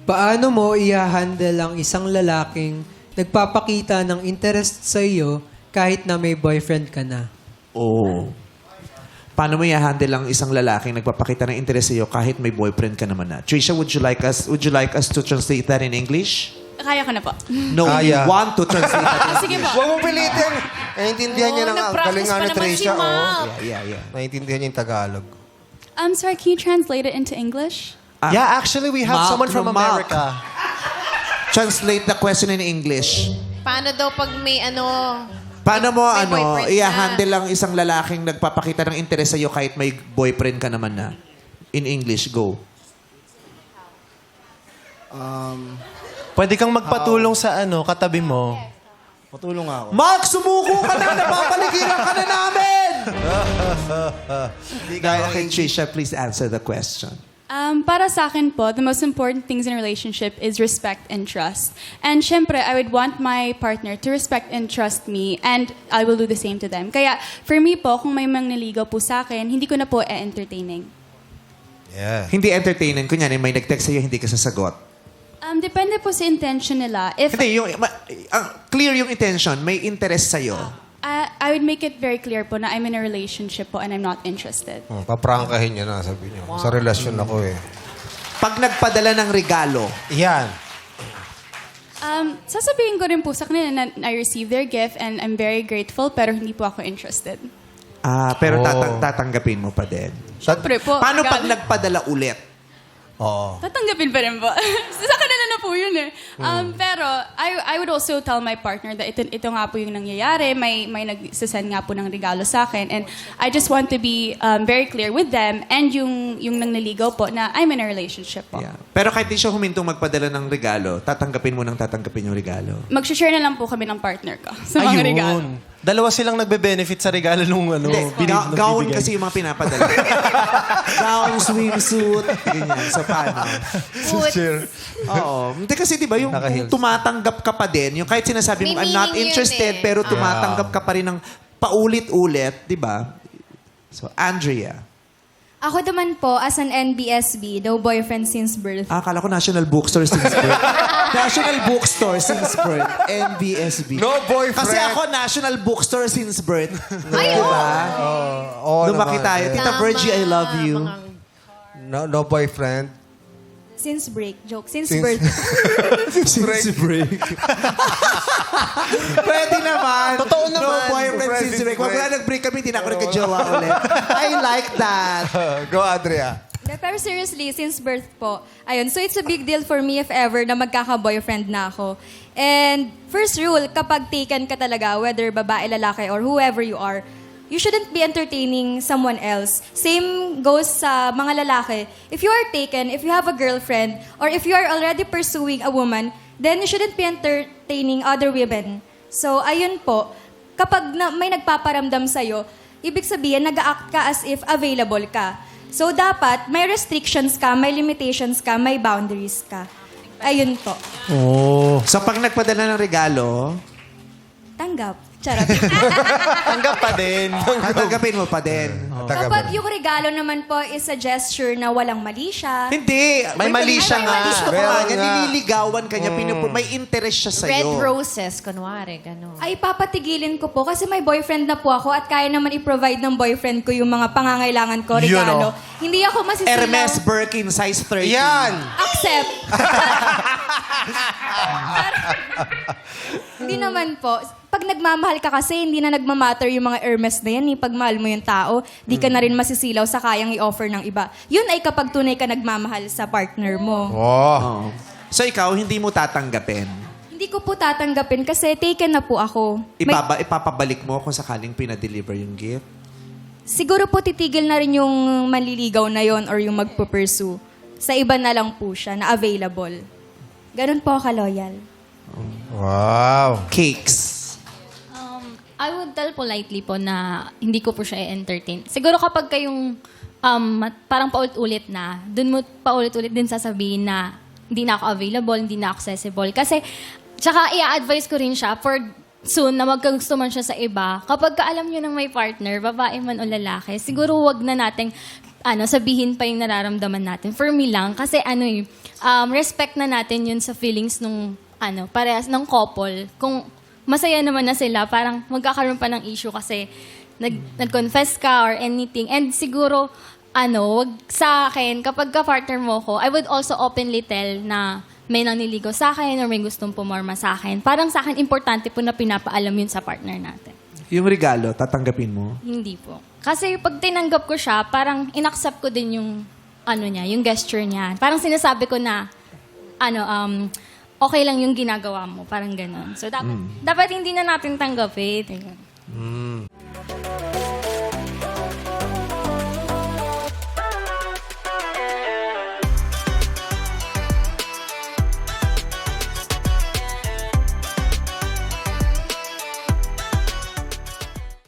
Paano mo i-handle ang isang lalaking nagpapakita ng interest sa iyo kahit na may boyfriend ka na? Oh. Paano mo i-handle ang isang lalaking nagpapakita ng interest sa iyo kahit may boyfriend ka naman na? Trisha, would you like us to translate that in English? Kaya ko na po. No, we want to translate that in Sige po. Huwag mong pilitin. Naiintindihan niya ng galing nga ni Trisha. Yeah. Naiintindihan niya yung Tagalog. I'm sorry, can you translate it into English? Yeah, actually, we have someone from Mark. America. Translate the question in English. Paano daw pag may Paano mo may boyfriend ka? i-handle ang isang lalaking nagpapakita ng interest sa iyo kahit may boyfriend ka naman na? In English, go. Pwede kang magpatulong sa katabi mo. Patulong ako. Mark, sumuko ka na! Napapaligiran ka na namin! Okay, Trisha, please answer the question. Para sa akin po, the most important things in a relationship is respect and trust. And syempre, I would want my partner to respect and trust me, and I will do the same to them. Kaya, for me po, kung may mangliligaw po sa akin, hindi ko na po entertaining. Yeah. Hindi entertaining. Kunyari, may nag-text sa'yo, hindi ka sasagot. Depende po sa intention nila. If Hindi, clear yung intention. May interest sa'yo. I would make it very clear po na I'm in a relationship po and I'm not interested. Paprangkahin niya na, sabi niya. Sa relasyon ako eh. Pag nagpadala ng regalo, Yan. Sasabihin ko rin po sa kanila na I received their gift and I'm very grateful pero hindi po ako interested. pero Oh. tatanggapin mo pa din. Siyempre po. Paano pag regalo. nagpadala ulit? Oo. Tatanggapin pa rin po. Sa kanila na po yun eh. Pero I would also tell my partner that ito nga po yung nangyayari. May nagsasend nga po ng regalo sa akin. And I just want to be very clear with them and yung nangliligaw po na I'm in a relationship po. Yeah. Pero kahit di siya humintong magpadala ng regalo, tatanggapin yung regalo. Mag-share na lang po kami ng partner ko sa mga regalo. Dalawa silang nagbe-benefit sa regalo nung Hindi, gown kasi yung mga pinapadala. Gown, swimsuit, ganyan. So, paano? Oo. Hindi kasi, di ba, yung Naka-heels. tumatanggap ka pa din, yung kahit sinasabi mo, May I'm not meaning yun interested, eh. pero tumatanggap ka pa rin ng paulit-ulit, di ba? So, Andrea. Ako naman po, as an NBSB, no boyfriend since birth. Akala ko National Bookstore since birth. National Bookstore since birth. NBSB. No boyfriend. Kasi ako, National Bookstore since birth. Ay, diba? Oo Lumaki naman. tayo. Tita Virgie, I love you. No boyfriend. Since break. Joke. Since Since- birth. Since break. Pwede naman. Totoo naman. No boyfriend Friend since since break. Wag break. wala nag-break kami, hindi na ako nagka-jowa ulit. I like that. Go, Andrea. Pero seriously, since birth po. Ayun. So it's a big deal for me if ever na magkaka-boyfriend na ako. And first rule, kapag taken ka talaga, whether babae, lalaki, or whoever you are, you shouldn't be entertaining someone else. Same goes sa mga lalaki. If you are taken, if you have a girlfriend, or if you are already pursuing a woman, then you shouldn't be entertaining other women. So, ayun po. Kapag may nagpaparamdam sa'yo, ibig sabihin, nag-act ka as if available ka. So, dapat may restrictions ka, may limitations ka, may boundaries ka. Ayun po. So pag nagpadala ng regalo, Tanggap. Charot. Tanggap pa din. tatanggapin mo pa din. Kapag yung regalo naman po is a gesture na walang mali siya, Hindi. May mali siya nga. Gusto ko Meron nga. nga. Nililigawan ka niya. May interest siya red sa'yo. roses, kunwari, gano'n. ay papatigilin ko po kasi may boyfriend na po ako at kaya naman i-provide ng boyfriend ko yung mga pangangailangan ko, Yun, regalo. Hindi ako masisilaw. Hermes Birkin, size 30. Yan! Accept. Hindi naman po. Pag nagmamahal ka kasi, hindi na nagmamatter yung mga Hermes na yan. Pag mahal mo yung tao, di ka na rin masisilaw sa kayang i-offer ng iba. Yun ay kapag tunay ka nagmamahal sa partner mo. Oh. So ikaw, hindi mo tatanggapin. Hindi ko po tatanggapin kasi taken na po ako. Ipapabalik mo kung sakaling pinadeliver yung gift? Siguro po titigil na rin yung manliligaw na yon or yung magpupursue. Sa iba na lang po siya, na available. Ganun po ka-loyal. Wow. Cakes. I would tell politely po na hindi ko po siya i-entertain. Siguro kapag kayong parang paulit-ulit na, dun mo paulit-ulit din sasabihin na hindi na ako available, hindi na accessible. Kasi, tsaka i-advise ko rin siya for soon na magkagusto man siya sa iba. Kapag kaalam nyo ng may partner, babae man o lalaki, siguro wag na nating sabihin pa yung nararamdaman natin. For me lang, kasi respect na natin yun sa feelings nung, parehas ng couple. Kung masaya naman na sila, parang magkakaroon pa ng issue kasi nag-confess ka or anything. And siguro, wag sa akin, kapag ka-partner mo ko, I would also openly tell na may naniligo sa akin or may gustong pumorma sa akin. Parang sa akin, importante po na pinapaalam yun sa partner natin. Yung regalo, tatanggapin mo? Hindi po. Kasi pag tinanggap ko siya, parang inaccept ko din yung, yung gesture niya. Parang sinasabi ko na, okay lang yung ginagawa mo. Parang ganon. So, dapat hindi na natin tanggapin.